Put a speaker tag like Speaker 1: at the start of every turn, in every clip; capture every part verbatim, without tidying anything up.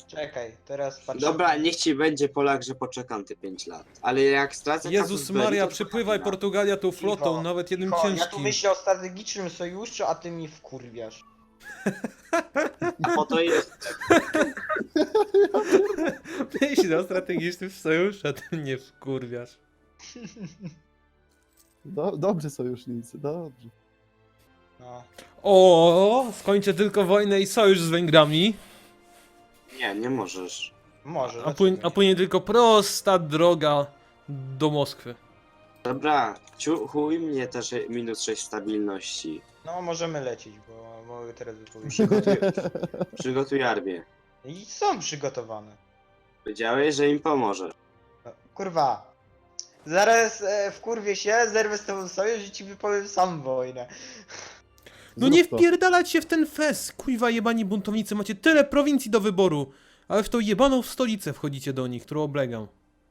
Speaker 1: Czekaj, teraz patrzę.
Speaker 2: Dobra, niech ci będzie Polak, że poczekam te pięć lat. Ale jak stracę
Speaker 3: Jezus
Speaker 2: Casus Belli,
Speaker 3: Maria,
Speaker 2: to
Speaker 3: przypływaj
Speaker 2: Polakina.
Speaker 3: Portugalia tą flotą,
Speaker 1: Cicho,
Speaker 3: nawet jednym
Speaker 1: cicho, Ja tu
Speaker 3: ciężkim.
Speaker 1: myślę o strategicznym sojuszu, a ty mi wkurwiasz.
Speaker 2: A po to jest.
Speaker 3: Myśl o strategicznym sojuszu, a ty mnie wkurwiasz.
Speaker 4: Do, dobrze sojusznicy, dobrze.
Speaker 1: No.
Speaker 3: O, skończę tylko wojnę i sojusz z Węgrami,
Speaker 2: Nie, nie możesz.
Speaker 1: Może.
Speaker 3: a, płyń, a później tylko prosta droga do Moskwy.
Speaker 2: Dobra, ciu, chuj mnie też minus sześć stabilności.
Speaker 1: No możemy lecieć, bo mogę teraz wypowiedzieć.
Speaker 2: Przygotuj, przygotuj armię.
Speaker 1: I są przygotowane.
Speaker 2: Powiedziałeś, że im pomoże.
Speaker 1: No, kurwa. Zaraz e, wkurwię się, zerwę z tobą sojusz i ci wypowiem sam wojnę.
Speaker 3: No
Speaker 4: Zrób
Speaker 3: nie
Speaker 4: to.
Speaker 3: wpierdalać się w ten fest, kuźwa jebani buntownicy, macie tyle prowincji do wyboru, ale w tą jebaną stolicę wchodzicie do nich, którą oblegam.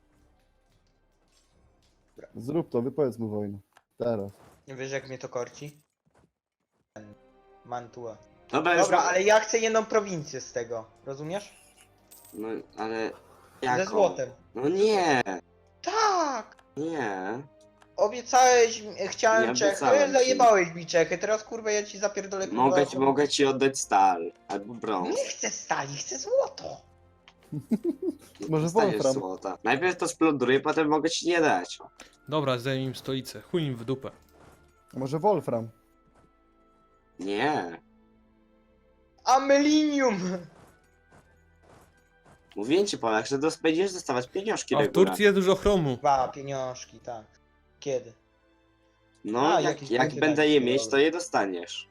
Speaker 4: Zrób to, wypowiedz mu wojnę. Teraz.
Speaker 1: Nie wiesz jak mnie to korci? Ten Mantua.
Speaker 2: Dobra, już
Speaker 1: Dobra,
Speaker 2: ma-
Speaker 1: ale ja chcę jedną prowincję z tego, rozumiesz?
Speaker 2: No, ale...
Speaker 1: Ze
Speaker 2: Jaką?
Speaker 1: złotem.
Speaker 2: No nie,
Speaker 1: Tak!
Speaker 2: nie.
Speaker 1: Obiecałeś, mi- chciałem
Speaker 2: Nie
Speaker 1: Czechy,
Speaker 2: obiecałem ci.
Speaker 1: zajebałeś mi Czechy, teraz kurwa ja ci zapierdolę kurwa.
Speaker 2: Mogę ci,
Speaker 1: kurwa.
Speaker 2: mogę ci oddać stal. Albo brąz.
Speaker 1: Nie chcę stali, chcę złoto.
Speaker 4: Może
Speaker 2: Dostaniesz
Speaker 4: Wolfram.
Speaker 2: złota. Najpierw to splądruję, potem mogę ci nie dać.
Speaker 3: Dobra, zajmij im stolicę, chuj im w dupę.
Speaker 4: Może Wolfram.
Speaker 2: Nie.
Speaker 1: Amelinium!
Speaker 2: Mówię ci, Polak, że dos- będziesz dostawać pieniążki
Speaker 3: A w
Speaker 2: regularnie.
Speaker 3: Turcji jest dużo chromu.
Speaker 1: Dwa pieniążki, tak. Kiedy?
Speaker 2: No,
Speaker 1: A,
Speaker 2: jak,
Speaker 1: jakieś
Speaker 2: jak
Speaker 1: punkty
Speaker 2: będę
Speaker 1: takie,
Speaker 2: je mieć,
Speaker 1: dobra.
Speaker 2: to je dostaniesz.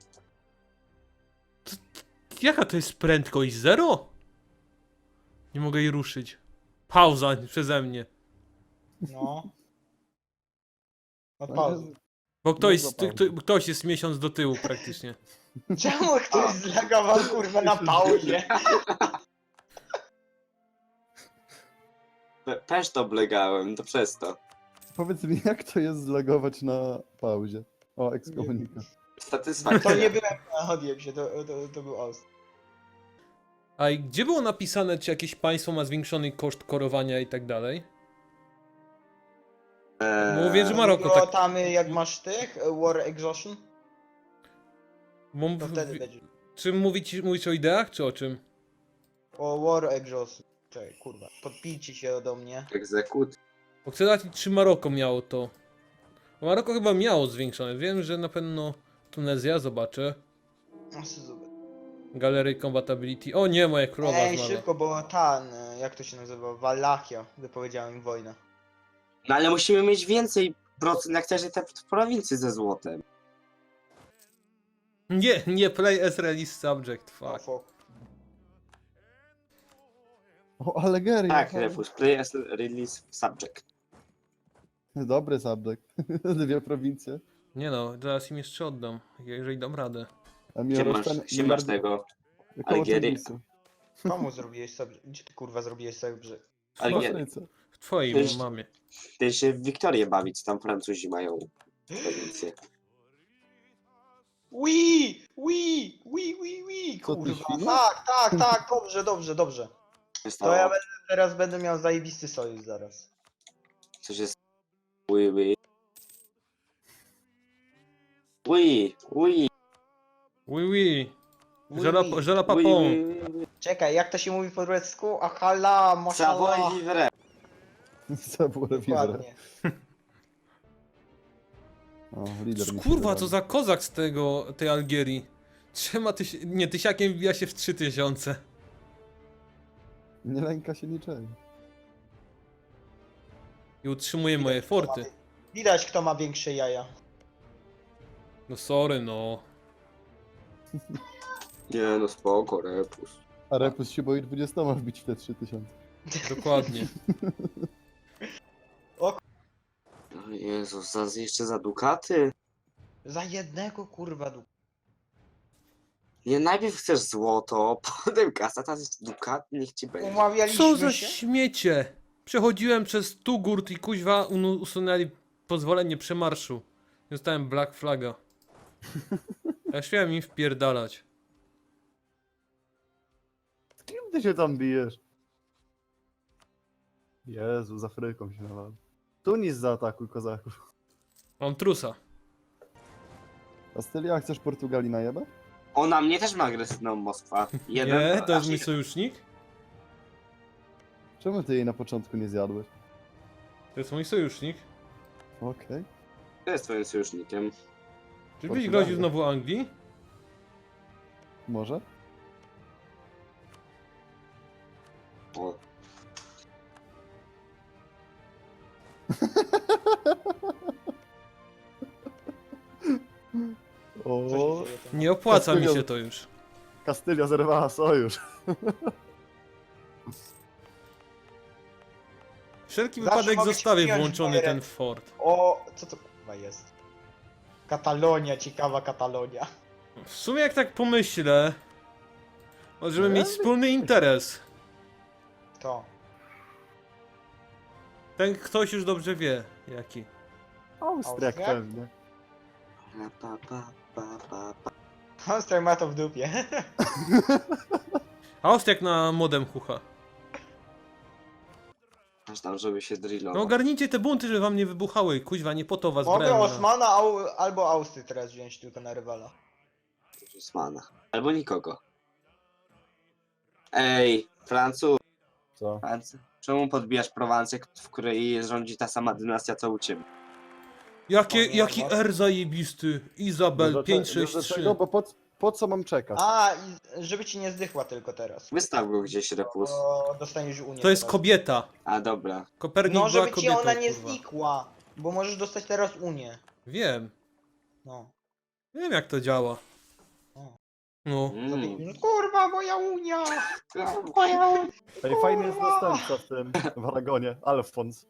Speaker 3: Jaka to jest prędkość? Zero? Nie mogę jej ruszyć. Pauza przeze mnie.
Speaker 1: No.
Speaker 4: No,
Speaker 1: Odpauzuj.
Speaker 3: Bo ktoś,
Speaker 4: Dużo
Speaker 3: ty,
Speaker 4: pauzy.
Speaker 3: kto, ktoś jest miesiąc do tyłu praktycznie.
Speaker 1: Czemu ktoś zlagował kurwa na pauzie?
Speaker 2: Pe- Też to oblegałem, to przez to.
Speaker 4: Powiedz mi, jak to jest zlogować na pauzie? O, ekskomunikat.
Speaker 2: Satysfakcja.
Speaker 1: To nie byłem, odjem się, to, to, to był ost.
Speaker 3: A i gdzie było napisane, czy jakieś państwo ma zwiększony koszt korowania i tak dalej?
Speaker 2: Eee,
Speaker 3: Mówię, że Maroko
Speaker 1: Było
Speaker 3: tak...
Speaker 1: tam jak masz tych, e, War Exhaustion,
Speaker 3: Bo,
Speaker 1: to wtedy będzie.
Speaker 3: czy mówić, mówisz o ideach, czy o czym?
Speaker 1: O War Exhaustion. Czekaj, kurwa, podpijcie się do mnie.
Speaker 2: Egzekut.
Speaker 3: Bo chcę dać, czy Maroko miało to. Bo Maroko chyba miało zwiększone. Wiem, że na pewno Tunezja, zobaczę.
Speaker 1: O, Suzuki.
Speaker 3: Galery Compatibility. O nie, moja królowa
Speaker 1: Ej,
Speaker 3: zmarła.
Speaker 1: szybko, bo ten, e, jak to się nazywa, Wallachia, wypowiedziałem im wojnę.
Speaker 2: No ale musimy mieć więcej procent, jak też te prowincje ze złotem.
Speaker 3: Nie, nie play as release subject,
Speaker 1: O,
Speaker 3: fuck.
Speaker 1: fuck.
Speaker 4: O, Allegeria.
Speaker 2: Tak, Refus, play as release subject.
Speaker 4: Dobry subject. Dwie prowincje.
Speaker 3: Nie no, zaraz im jeszcze oddam, jeżeli dam radę.
Speaker 4: A
Speaker 2: Gdzie
Speaker 4: mi
Speaker 2: masz, gdzie masz tego? Algierię?
Speaker 1: Komu zrobiłeś sobie, gdzie ty kurwa zrobiłeś sobie, że...
Speaker 2: Algierię.
Speaker 3: W twojej
Speaker 2: Też-
Speaker 3: mamie.
Speaker 2: Ty się w Wiktorię bawić, tam Francuzi mają prowincję.
Speaker 1: Wii! Wii! Wii, wii, wii!
Speaker 4: Co ty,
Speaker 1: Kurwa,
Speaker 4: świnia?
Speaker 1: tak, tak, tak, dobrze, dobrze, dobrze. To
Speaker 2: Stało.
Speaker 1: ja będę, teraz będę miał zajebisty sojusz zaraz.
Speaker 2: Coś jest... Oui, oui. Oui, oui.
Speaker 3: Oui, oui.
Speaker 1: Oui,
Speaker 3: Je la,
Speaker 1: oui.
Speaker 3: je la
Speaker 2: Oui,
Speaker 3: papon.
Speaker 2: oui, oui.
Speaker 1: Czekaj, jak to się mówi po turecku? Ahala, mashallah.
Speaker 2: Savoy vivre.
Speaker 4: Co było vivre.
Speaker 1: Dokładnie.
Speaker 4: O, lider mi się
Speaker 3: Kurwa,
Speaker 4: wydaje.
Speaker 3: co za kozak z tego, tej Algierii. Trzema tyś... Nie, tysiakiem wbija się w trzy tysiące.
Speaker 4: Nie lęka się niczego.
Speaker 3: I utrzymuje moje forty.
Speaker 1: Widać, kto ma większe jaja.
Speaker 3: No sorry, no.
Speaker 2: Nie no spoko, Repus.
Speaker 4: A Repus się boi dwudziestoma wbić w te trzy tysiące.
Speaker 3: Dokładnie.
Speaker 2: O Jezus, za, jeszcze za dukaty?
Speaker 1: Za jednego kurwa du...
Speaker 2: Nie, najpierw chcesz złoto, potem kasa, teraz jest dukat, niech ci będzie.
Speaker 1: Umawialiśmy
Speaker 3: Co za
Speaker 1: się?
Speaker 3: śmiecie! Przechodziłem przez Tugurt i kuźwa unu- usunęli pozwolenie przemarszu. Dostałem Black Flaga. Ja śmiałem im wpierdalać.
Speaker 4: Kim ty się tam bijesz? Jezu, z Afryką się nawal. Tunis zaatakuj kozaków.
Speaker 3: Mam trusa.
Speaker 4: Kastylia, chcesz Portugalii najebać?
Speaker 2: Ona mnie też ma agresywną Moskwa. Jeden
Speaker 3: Nie, to jest
Speaker 2: aż
Speaker 3: mój
Speaker 2: jeden.
Speaker 3: sojusznik.
Speaker 4: Czemu ty jej na początku nie zjadłeś?
Speaker 3: To jest mój sojusznik.
Speaker 4: Okej.
Speaker 2: Kto jest twoim sojusznikiem?
Speaker 3: Czy byś
Speaker 4: Portugalia.
Speaker 3: groził znowu Anglii?
Speaker 4: Może?
Speaker 2: O,
Speaker 4: O,
Speaker 1: Co się dzieje tam?
Speaker 3: Nie opłaca mi
Speaker 4: Kastylia-
Speaker 3: się to już.
Speaker 4: Kastylia zerwała sojusz.
Speaker 3: Wszelki
Speaker 1: Zawsze
Speaker 3: wypadek
Speaker 1: mogę ci
Speaker 3: zostawię
Speaker 1: przyjąć
Speaker 3: włączony
Speaker 1: moje
Speaker 3: ten
Speaker 1: ręce.
Speaker 3: fort.
Speaker 1: O, co to kurwa jest? Katalonia, ciekawa Katalonia.
Speaker 3: W sumie jak tak pomyślę, możemy
Speaker 4: No,
Speaker 3: mieć
Speaker 4: ale-
Speaker 3: wspólny interes.
Speaker 1: To.
Speaker 3: Ten ktoś już dobrze wie, jaki.
Speaker 4: Austriak
Speaker 1: Austriak?
Speaker 4: pewnie.
Speaker 2: pa, pa, pa, pa, pa.
Speaker 1: Monster ma to w dupie.
Speaker 3: Austriak na modem chucha.
Speaker 2: Aż tam, żeby się
Speaker 3: No
Speaker 2: drillował.
Speaker 3: ogarnijcie te bunty, żeby wam nie wybuchały. Kuźwa, nie po to was
Speaker 1: Mogę
Speaker 3: brałem. na-
Speaker 1: Osmana au, albo Austry teraz wziąć tylko na rywala.
Speaker 2: Osmana. Albo nikogo. Ej, Francuz,
Speaker 4: Co?
Speaker 2: Franc- czemu podbijasz Prowancję, w której rządzi ta sama dynastia co u ciebie?
Speaker 3: Jakie,
Speaker 1: O nie,
Speaker 3: jaki
Speaker 1: no.
Speaker 3: R zajebisty. Izabel
Speaker 4: Wiesz
Speaker 3: pięć
Speaker 4: dlaczego-
Speaker 3: sześć
Speaker 4: wiesz
Speaker 3: trzy.
Speaker 4: dlaczego? Bo po, po co mam czekać?
Speaker 1: A, i żeby ci nie zdechła tylko teraz.
Speaker 2: Wystaw go gdzieś, Repus.
Speaker 1: Bo dostaniesz Unię
Speaker 3: To jest
Speaker 1: teraz.
Speaker 3: kobieta.
Speaker 2: A dobra.
Speaker 3: Kopernik
Speaker 1: No,
Speaker 3: była
Speaker 1: żeby ci
Speaker 3: kobietą,
Speaker 1: ona nie
Speaker 3: kurwa.
Speaker 1: znikła. Bo możesz dostać teraz Unię.
Speaker 3: Wiem.
Speaker 1: No.
Speaker 3: Wiem jak to działa.
Speaker 1: O.
Speaker 3: No.
Speaker 1: Za pięć
Speaker 2: Mm.
Speaker 1: minut. Kurwa, moja Unia!
Speaker 4: Ej, fajny jest następca w tym, w Aragonie. Alfons.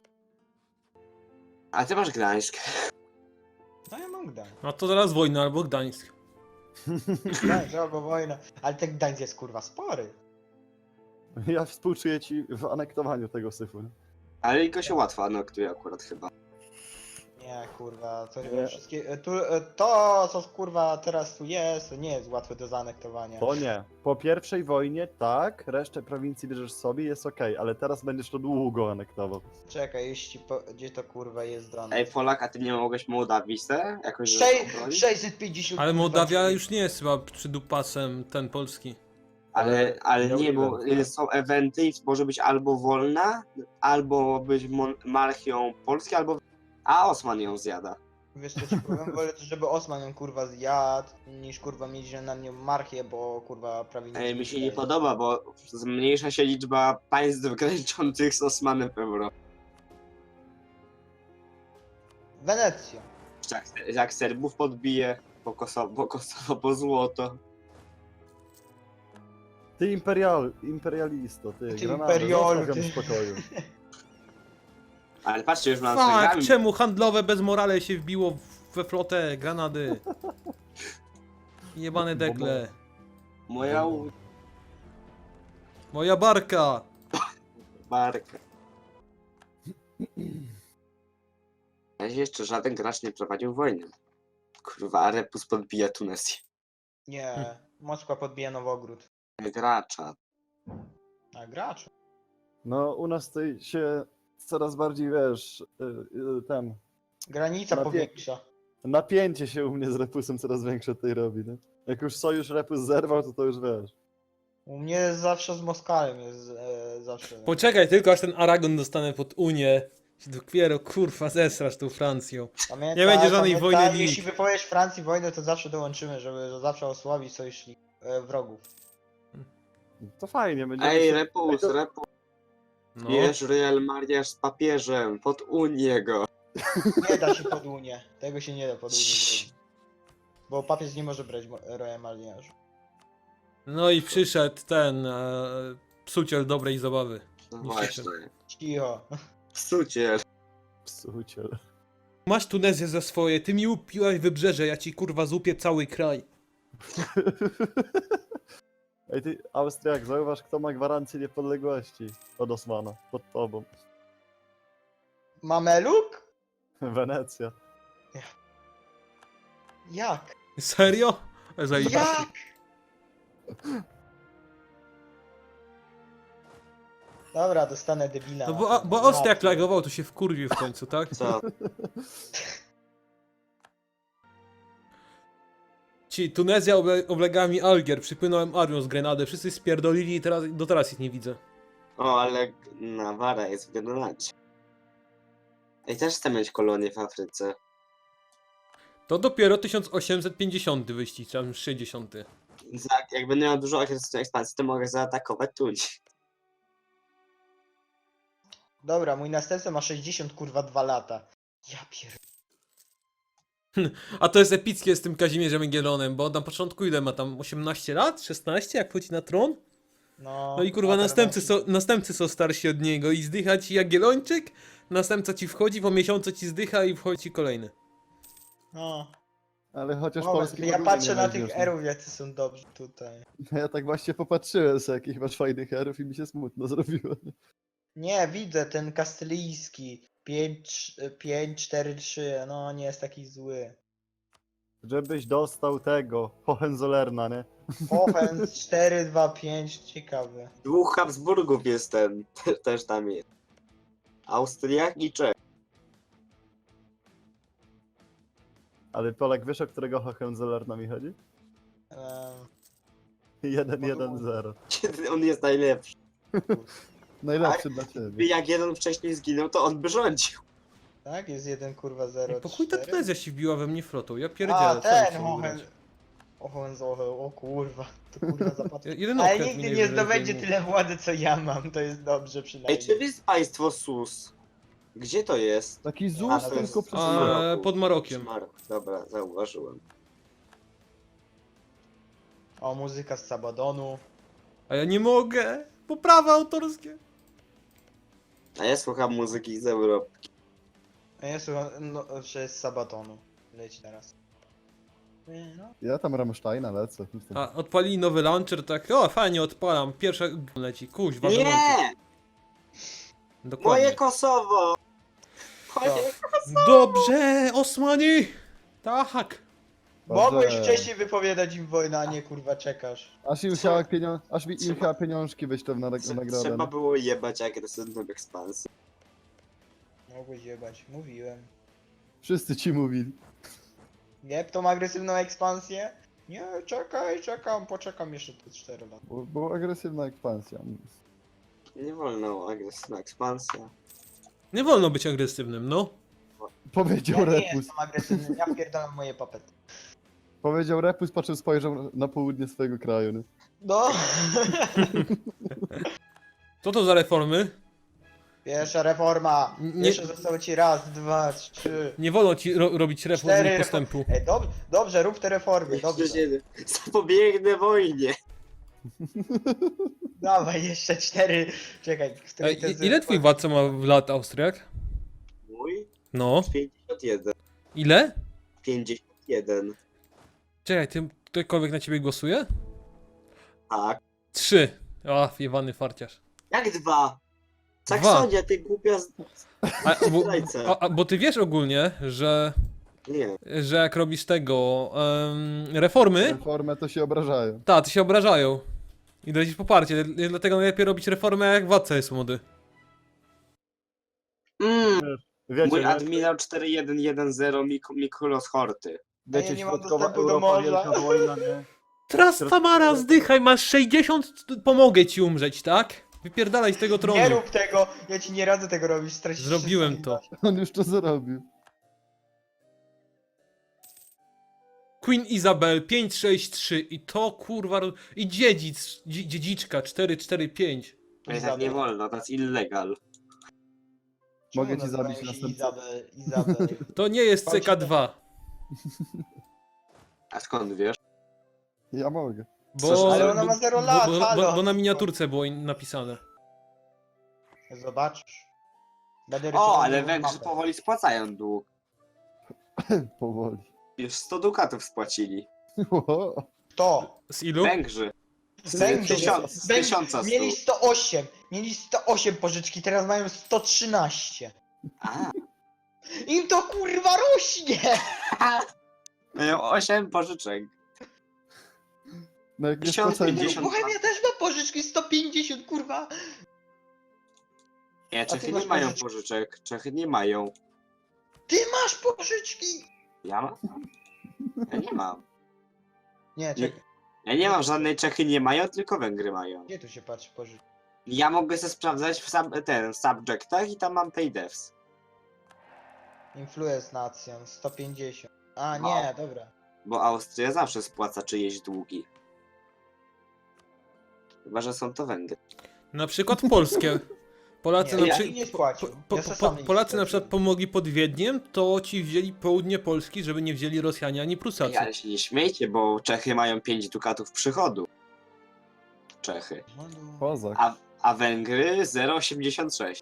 Speaker 2: A ty masz Gdańsk.
Speaker 1: No ja mam Gdańsk.
Speaker 3: A to zaraz wojna albo Gdańsk.
Speaker 1: Gdańsk albo wojna. Ale ten Gdańsk jest kurwa spory.
Speaker 4: Ja współczuję ci w anektowaniu tego syfu. nie?
Speaker 2: Ale jego się łatwo anektuje akurat chyba.
Speaker 1: Nie, kurwa, to
Speaker 4: Nie.
Speaker 1: wszystkie... Tu, to, co kurwa teraz tu jest, to nie jest łatwe do zaanektowania.
Speaker 4: To nie. Po pierwszej wojnie tak, resztę prowincji bierzesz sobie, jest okej, ale teraz będziesz to długo anektował.
Speaker 1: Czekaj, jeśli po... gdzie to kurwa jest dane?
Speaker 2: Ej, Polak, a ty nie mogłeś Mołdawii se? Jakoś żeby
Speaker 1: Sze-
Speaker 2: obronić?
Speaker 1: sześćset pięćdziesiąt
Speaker 3: Ale
Speaker 1: kurwa,
Speaker 3: Mołdawia
Speaker 1: drzwi.
Speaker 3: już nie jest chyba przydupasem ten polski.
Speaker 2: Ale, ale
Speaker 4: Miał
Speaker 2: nie, bo
Speaker 4: event.
Speaker 2: y, są eventy i może być albo wolna, albo być mon- monarchią Polski, albo... A Osman ją zjada.
Speaker 1: Wiesz co ci powiem? Wolę, żeby Osman ją kurwa zjadł, niż kurwa mieć na nią marchię, bo kurwa prawie nic
Speaker 2: Ej, mi się nie
Speaker 1: daje.
Speaker 2: podoba, bo zmniejsza się liczba państw graniczących z Osmanem w Europie.
Speaker 1: Wenecja.
Speaker 2: Jak, jak Serbów podbije, po Kosowo, po Kosowo, po złoto.
Speaker 4: Ty imperial, imperialisto, ty,
Speaker 1: Ty
Speaker 4: Granadę,
Speaker 1: imperialu,
Speaker 4: zostaw ją
Speaker 1: ty.
Speaker 4: w spokoju.
Speaker 2: Ale patrzcie, już mam
Speaker 3: Fuck,
Speaker 2: Instagramie.
Speaker 3: czemu handlowe bez morale się wbiło w- we flotę Granady? Jebane dekle.
Speaker 2: Moja u-
Speaker 3: Moja barka.
Speaker 2: barka. Na razie jeszcze żaden gracz nie prowadził wojny. Kurwa, a Repus podbija Tunezję.
Speaker 1: Nie, Moskwa podbija Nowogród.
Speaker 2: Gracza.
Speaker 1: A gracz?
Speaker 4: No, u nas to się coraz bardziej, wiesz, y, y, ten,
Speaker 1: Granica
Speaker 4: Napie-
Speaker 1: powiększa.
Speaker 4: napięcie się u mnie z Repusem coraz większe tutaj robi, nie? Jak już sojusz Repus zerwał, to to już wiesz.
Speaker 1: U mnie jest zawsze z Moskalem, jest e, zawsze.
Speaker 3: Poczekaj tylko aż ten Aragon dostanę pod Unię. Się dopiero kurwa zesrasz tą Francją.
Speaker 1: Pamiętaj,
Speaker 3: nie będzie żadnej
Speaker 1: pamiętaj,
Speaker 3: wojny
Speaker 1: jeśli
Speaker 3: nikt.
Speaker 1: wypowiesz Francji wojnę, to zawsze dołączymy, żeby zawsze osłabić sojusznik e, wrogów.
Speaker 4: To fajnie, będziemy
Speaker 2: Ej,
Speaker 4: się...
Speaker 2: Repus, Repus,
Speaker 3: No.
Speaker 2: bierz Real mariaż z papieżem, pod Unię go.
Speaker 1: Nie da się pod Unię. Tego się nie da pod Unię zrobić. Bo papież nie może brać mo- Royal Mariniarzu.
Speaker 3: No i przyszedł ten e, psuciel dobrej zabawy.
Speaker 2: No
Speaker 3: Nie
Speaker 2: właśnie.
Speaker 1: Cicho.
Speaker 2: Psuciel.
Speaker 4: Psuciel.
Speaker 3: Masz Tunezję za swoje, ty mi upiłaś wybrzeże, ja ci kurwa zupię cały kraj.
Speaker 4: Ej, ty, Austriak, zauważ, kto ma gwarancję niepodległości od Osmana, pod tobą.
Speaker 1: Mameluk?
Speaker 4: Wenecja.
Speaker 1: Jak?
Speaker 3: Serio? Zajebiście.
Speaker 1: Jak? Dobra, dostanę debila.
Speaker 3: No bo, bo Austriak lagował, to się wkurwił w końcu, tak?
Speaker 2: Co?
Speaker 3: Ci, Tunezja oble, oblegała mi Algier, przypłynąłem armią z Grenady, wszyscy spierdolili i teraz, do teraz ich nie widzę.
Speaker 2: O, ale Nawara jest w Grenadzie. I też chcę mieć kolonię w Afryce.
Speaker 3: To dopiero tysiąc osiemset pięćdziesiąty wyścig, czy tam sześćdziesiąty.
Speaker 2: Za, jak będę miał dużo agresywnej ekspansji, to mogę zaatakować Tunis.
Speaker 1: Dobra, mój następca ma sześćdziesiąt kurwa dwa lata. Ja pier...
Speaker 3: A to jest epickie z tym Kazimierzem Jagiellonem, bo on na początku ile ma tam osiemnaście lat? szesnaście jak wchodzi na tron?
Speaker 1: No,
Speaker 3: No i kurwa
Speaker 1: a
Speaker 3: następcy
Speaker 1: teraz-
Speaker 3: są, następcy są starsi od niego i zdycha ci Jagiellończyk, następca ci wchodzi, po miesiącu ci zdycha i wchodzi ci kolejny.
Speaker 1: No.
Speaker 4: Ale chociaż
Speaker 1: Moment,
Speaker 4: Polski
Speaker 1: ja
Speaker 4: podwójnie
Speaker 1: patrzę
Speaker 4: nie
Speaker 1: na
Speaker 4: weźmiesz,
Speaker 1: tych
Speaker 4: no.
Speaker 1: erów, jacy są dobrzy tutaj.
Speaker 4: Ja tak właśnie popatrzyłem sobie, jakich masz fajnych herów i mi się smutno zrobiło.
Speaker 1: Nie, widzę ten kastylijski. pięć cztery trzy, no nie jest taki zły.
Speaker 4: Żebyś dostał tego, Hohenzollerna, nie?
Speaker 1: Offense cztery dwa pięć, ciekawy.
Speaker 2: Dwóch Habsburgów jest ten, te- też tam jest. Austriak i Czech.
Speaker 4: Ale Polak wiesz, o którego Hohenzollerna mi chodzi?
Speaker 1: Ehm,
Speaker 4: jeden jeden zero.
Speaker 2: On jest najlepszy.
Speaker 4: Najlepszy dla ciebie.
Speaker 2: Jak jeden wcześniej zginął, to on by rządził.
Speaker 1: tak, jest jeden kurwa zero
Speaker 3: Po chuj ta
Speaker 1: cztery.
Speaker 3: Tunezja się wbiła we mnie flotą, ja
Speaker 1: A,
Speaker 3: pierdzielę, co mi
Speaker 1: ten
Speaker 3: się
Speaker 1: Hohen...
Speaker 3: wybrać?
Speaker 1: Hohenzollern, o kurwa, to kurwa zapadł.
Speaker 3: Jeden
Speaker 1: Ale
Speaker 3: okręt
Speaker 1: nigdy
Speaker 3: mi
Speaker 1: nie
Speaker 3: najwyżej
Speaker 1: zdobędzie
Speaker 3: zdejmuje.
Speaker 1: tyle władzy co ja mam, to jest dobrze
Speaker 2: Ej,
Speaker 1: przynajmniej.
Speaker 2: czym jest państwo Sus? Gdzie to jest?
Speaker 4: Taki
Speaker 1: A,
Speaker 4: ZUS,
Speaker 1: to
Speaker 4: tylko
Speaker 1: jest-
Speaker 4: przez
Speaker 3: A,
Speaker 2: Maroku.
Speaker 3: pod Marokiem.
Speaker 2: Marok. Dobra, zauważyłem.
Speaker 1: O, muzyka z Sabadonu.
Speaker 3: A ja nie mogę, bo prawa autorskie.
Speaker 2: A ja słucham muzyki z Europy.
Speaker 1: A ja słucham, no, że z Sabatonu. Leci teraz. No.
Speaker 4: Ja tam Rammsteina lecę.
Speaker 3: A odpalili nowy launcher, tak, o fajnie odpalam, pierwsza g- leci, kuźwa, gorąco.
Speaker 2: Nie!
Speaker 3: Dokładnie.
Speaker 2: Moje Kosowo! Moje...
Speaker 3: Dobrze, Osmani! Tak.
Speaker 1: Mogłeś
Speaker 4: Dobrze.
Speaker 1: wcześniej wypowiadać im wojnę, a nie kurwa czekasz.
Speaker 4: Aż im
Speaker 2: Co?
Speaker 4: chciała, pienio... Aż mi im
Speaker 2: Trzeba-
Speaker 4: chciała pieniążki wyślę w nag-
Speaker 2: Trze-
Speaker 4: nagrodę.
Speaker 2: Trzeba
Speaker 4: no.
Speaker 2: było jebać agresywną ekspansję.
Speaker 1: Mogłeś jebać, mówiłem.
Speaker 4: Wszyscy ci mówili.
Speaker 1: Jeb tą agresywną ekspansję? Nie, czekaj, czekam, poczekam jeszcze te cztery lata.
Speaker 4: Bo, była agresywna ekspansja.
Speaker 2: Nie wolno agresywna ekspansja.
Speaker 3: Nie wolno być agresywnym, no.
Speaker 4: Powiedział
Speaker 1: Ja nie
Speaker 4: Repus.
Speaker 1: jestem agresywny, ja pierdalam moje papety.
Speaker 4: Powiedział Repus, po czym spojrzał na południe swojego kraju. Nie?
Speaker 1: No.
Speaker 3: Co to za reformy?
Speaker 1: Pierwsza reforma.
Speaker 3: Nie-
Speaker 1: Jeszcze zostało ci raz, dwa, trzy.
Speaker 3: Nie wolno ci ro robić reform
Speaker 1: Cztery
Speaker 3: i
Speaker 1: reform-
Speaker 3: postępu.
Speaker 1: Ej, dob dobrze, rób te reformy, dobrze.
Speaker 2: Zapobiegnę wojnie.
Speaker 1: Dawaj, jeszcze cztery. Czekaj, w której
Speaker 3: Ej,
Speaker 1: to
Speaker 3: i-
Speaker 1: jest-
Speaker 3: ile twój władca ma w lat, Austriak?
Speaker 2: Mój?
Speaker 3: No.
Speaker 2: pięćdziesiąt jeden.
Speaker 3: Ile?
Speaker 2: pięćdziesiąt jeden.
Speaker 3: Czekaj, ty, ktokolwiek na ciebie głosuje?
Speaker 2: Tak.
Speaker 3: Trzy. A, jebany farciarz.
Speaker 2: Jak dwa? Saksonia, ty głupia z...
Speaker 3: A, bo,
Speaker 2: Zdrajca.
Speaker 3: a, a, bo ty wiesz ogólnie, że,
Speaker 2: Nie.
Speaker 3: że jak robisz tego em, reformy,
Speaker 4: Reformę to się obrażają.
Speaker 3: ta, ty się obrażają. I dajesz poparcie, dlatego najlepiej robić reformę jak władca jest młody.
Speaker 2: Mm,
Speaker 4: Wiecie,
Speaker 2: mój
Speaker 4: nie?
Speaker 2: admirał cztery jeden jeden zero Mik Mikulos Horty.
Speaker 4: Wiecie,
Speaker 1: Ja nie mam
Speaker 4: środkowa
Speaker 1: dostępu do
Speaker 4: Europa,
Speaker 1: morza.
Speaker 4: wielka wojna, nie?
Speaker 3: Teraz Tamara, zdychaj, masz sześćdziesiąt, pomogę ci umrzeć, tak? Wypierdalaj z tego tronu.
Speaker 1: Nie rób tego, ja ci nie radzę tego robić, stracisz
Speaker 3: Zrobiłem
Speaker 1: wszystko.
Speaker 3: to.
Speaker 4: On już to zrobił.
Speaker 3: Queen Isabel pięć sześć trzy i to kurwa, ro- i dziedzic, dzie- dziedziczka cztery cztery pięć.
Speaker 2: Ale tak nie wolno, to jest illegal.
Speaker 1: Czemu
Speaker 4: Mogę ci
Speaker 1: nazywają
Speaker 4: zabić
Speaker 1: się
Speaker 4: następcę.
Speaker 1: Izabel, Izabel.
Speaker 3: To nie jest C K dwa,
Speaker 2: A skąd wiesz?
Speaker 4: Ja mogę.
Speaker 3: bo,
Speaker 2: Ale
Speaker 1: ona ma
Speaker 3: bo-
Speaker 1: zero
Speaker 3: bo-
Speaker 1: lat,
Speaker 3: bo, bo,
Speaker 1: halo.
Speaker 3: bo na miniaturce było in- napisane.
Speaker 1: Zobaczysz. Będę
Speaker 2: O,
Speaker 1: rysował
Speaker 2: ale
Speaker 1: nową
Speaker 2: Węgrzy
Speaker 1: mapę.
Speaker 2: powoli spłacają dług.
Speaker 4: Powoli.
Speaker 2: Już sto dukatów spłacili.
Speaker 1: Kto?
Speaker 3: Z ilu?
Speaker 2: Węgrzy. Z
Speaker 1: Węgrzy.
Speaker 2: tysiąc- z
Speaker 1: Węgrzy
Speaker 2: tysiąca stu.
Speaker 1: Mieli sto osiem. Mieli sto osiem pożyczki, teraz mają sto trzynaście.
Speaker 2: A,
Speaker 1: Im to kurwa rośnie!
Speaker 2: mają osiem pożyczek.
Speaker 4: No jak nie
Speaker 2: tysiąc
Speaker 4: spłacają
Speaker 2: pięćdziesiąt.
Speaker 1: Bohemia też ma pożyczki sto pięćdziesiąt, kurwa.
Speaker 2: Nie,
Speaker 1: ty
Speaker 2: Czechy
Speaker 1: masz
Speaker 2: nie mają
Speaker 1: pożyczki?
Speaker 2: pożyczek. Czechy nie mają.
Speaker 1: Ty masz pożyczki!
Speaker 2: Ja mam? Ja nie mam.
Speaker 1: Nie,
Speaker 2: Nie.
Speaker 1: czekaj.
Speaker 2: Ja nie mam żadnej Czechy nie mają, tylko Węgry mają.
Speaker 1: Gdzie tu się patrzy pożyczki?
Speaker 2: Ja mogę sobie sprawdzać w sub, ten, w subjectach i tam mam paydevs.
Speaker 1: Influence Nation, sto pięćdziesiąt. A,
Speaker 2: No.
Speaker 1: nie, dobra.
Speaker 2: Bo Austria zawsze spłaca czyjeś długi. Chyba, że są to Węgry.
Speaker 3: Na przykład polskie. Polacy
Speaker 1: Nie,
Speaker 3: na
Speaker 1: ja
Speaker 3: przykład.
Speaker 1: nie spłacił.
Speaker 3: Po,
Speaker 1: Ja
Speaker 3: po,
Speaker 1: se
Speaker 3: po,
Speaker 1: sam nie
Speaker 3: Polacy na
Speaker 1: spłaciłem.
Speaker 3: przykład pomogli pod Wiedniem, to ci wzięli południe Polski, żeby nie wzięli Rosjanie ani Prusacy.
Speaker 2: Ej, ale się nie śmiejcie, bo Czechy mają pięć dukatów przychodu. Czechy.
Speaker 4: Kozak.
Speaker 2: A, a Węgry zero przecinek osiemdziesiąt sześć.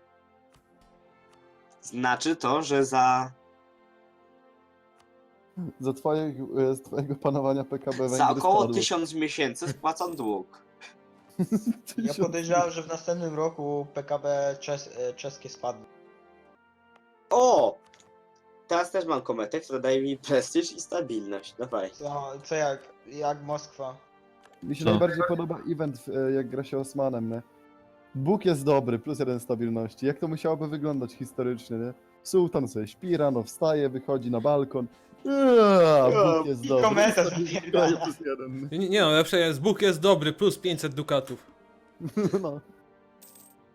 Speaker 2: Znaczy to, że za,
Speaker 4: Za twojego, z twojego panowania P K B Węgry
Speaker 2: za około
Speaker 4: spadły.
Speaker 2: tysiąc miesięcy spłacą dług.
Speaker 1: Ja
Speaker 4: Tysiąc-
Speaker 1: podejrzewam, że w następnym roku P K B czes e, czeskie spadnie.
Speaker 2: O! Teraz też mam kometę, która daje mi prestiż i stabilność. Dawaj.
Speaker 1: Co, co jak, jak Moskwa?
Speaker 4: Mi się
Speaker 3: Co?
Speaker 4: najbardziej podoba event, e, jak gra się Osmanem, nie? Bóg jest dobry, plus jeden stabilności. Jak to musiałoby wyglądać historycznie, nie? Sułtan sobie śpi, rano wstaje, wychodzi na balkon. Eee, Bóg jest
Speaker 1: i
Speaker 4: dobry.
Speaker 1: kometa
Speaker 4: stabilność
Speaker 1: zapierdala.
Speaker 4: plus jeden.
Speaker 3: Nie, nie no, lepsze jest, Bóg jest dobry, plus pięćset dukatów.
Speaker 4: No.